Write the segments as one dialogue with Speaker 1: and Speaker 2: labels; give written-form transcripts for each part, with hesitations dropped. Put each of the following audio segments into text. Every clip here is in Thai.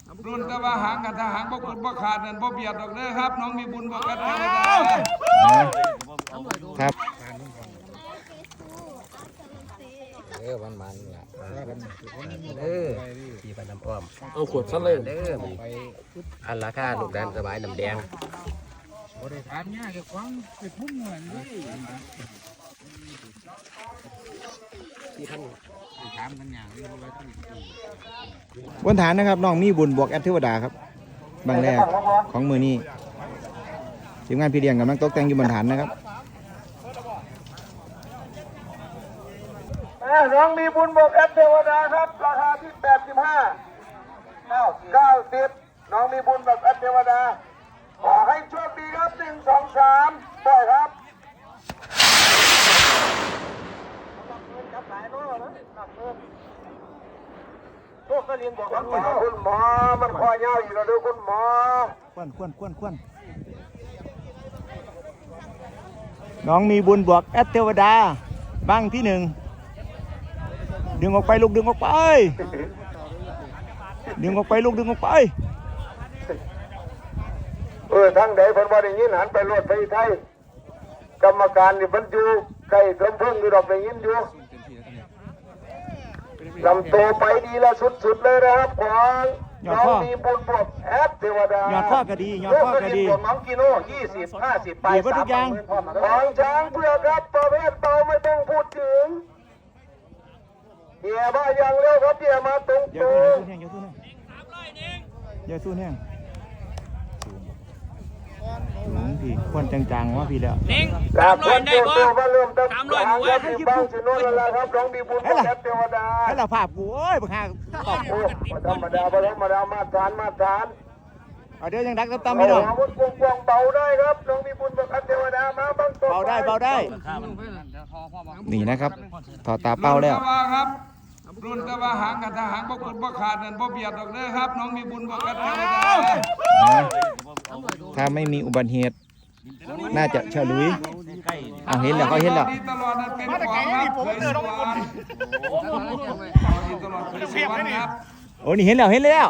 Speaker 1: รุ่นตะว่าหางกับทหารบ่กุดบ่ขาดนั่นบ่เบียดดอกเด้อครับน้องมีบุญบ่กัดเทวดา
Speaker 2: ครับ
Speaker 3: มันล่ะที่ปน้ำอ้อม
Speaker 4: เอาขวดซะเลย
Speaker 3: เด้ออันราคาลูกดันสบายน้ำแดง
Speaker 2: บนฐานนะครับน้องมีบุญบวกแอดเทวดาครับบางแรกของมือนี้ทีมงานพี่เลี้ยงกำลังตกแต่งอยู่บนฐานนะครับ
Speaker 1: น้องมีบุญบวกแอดเทวดาครับราคาที่85 90น้องมีบุญแบบแอดเทวดาขอให้โชคดีครับ1 2 3ปล่อยครับคุณหมอมันคอยเงาอยู่แล้วด้วยคุณหมอ
Speaker 2: ควนน้องมีบุญบวกแอดเทวดาบ้างที่1ดึงออกไปลูกดึงออกไปดึงออกไปลูกดึงออกไป
Speaker 1: ทั้งใดเพิ่นบ่ได้ยินหันไปรถไปไทยกรรมการนี่เพิ่นอยู่ใกล้กำเพิ่งอยู่ดอกได้ยินอยู่ลำโตไปดีละสุดๆเลยนะครับของน้องมีบุญบวกแอดเทวดาย
Speaker 2: อดข้อกระดียอดข้อกระดี
Speaker 1: น้องกิโน่20 50ไป30,000ของช้างเพื่อครับประเภทเบาไม่ต้องพูดถึงเกียร์มาอย่างเร็วครับเกียร์มาตรง
Speaker 2: อย่าสู้แห้งพี่ควนจังๆว่าพี่แล้ว
Speaker 1: 300ได้บ่300หมู่ให้บ้างสิโน่นละครับน้องมีบุญแอดเทวดา
Speaker 2: ให้เราภาพกูโอ้ยบังคับตอบ
Speaker 1: ธรรมดามาตรฐาน
Speaker 2: เอาเดี๋ยวยังดักตามพี่น้อง
Speaker 1: กวงเบาได้ครับน้องมีบุญบวกแอดเทวดามาบ้าง
Speaker 2: เบาได้นี่นะครับถอดตาเป้าแล้ว
Speaker 1: รุ่นตะว่าหางกับทหารบ่กุดบ่ขาดนั่นบ่เบียดดอกเด้อครับน้องมีบุญบวกแอดเทวดา
Speaker 2: ถ้าไม่มีอุบัติเหตุน่าจะเฉลุยเอาเห็นแล้วเขาเห็นแล้ว
Speaker 1: ตลอดนั่นเป็นความครับเคยสวรรค์ตลอดเคยสวรรค์ครับ
Speaker 2: โอ้นี่เห็นแล้ว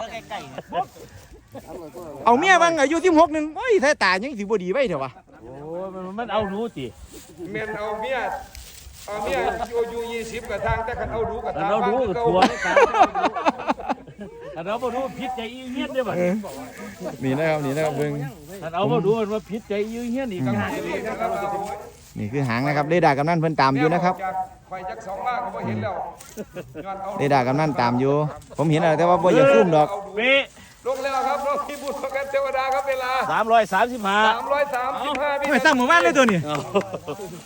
Speaker 2: เอาเมียบ้างอายุ16นึงโอ้ยถ้าตายังสิบ่ดีไว้เถอะวะ
Speaker 4: โอ้มันเอารู้สิ
Speaker 1: แม่นเอาเมียอยู่20กับทางแต่คันเอารู้กับทาง
Speaker 4: เรารู้กับทัวร์กันเราบ่รู้พิษใจอีเหี้ยนได้บ่
Speaker 2: นี่นะครับเบิ่ง
Speaker 4: เราบ่รู้ว่าพิษใจอีเหี้ยนอีก
Speaker 2: นี่คือหางนะครับเรดาร์กำนันเพิ่นตามอยู่นะครับเรดาร์กำนันตามอยู่ผมเห็นแต่ว่าบ่อยากซุ่มดอก
Speaker 1: ลงแล้วครับน้องมีบุญแอดเทวดาครับเวลา
Speaker 4: 335
Speaker 1: ไม่
Speaker 2: ตั้งหมู่บ้านเลยตัวนี้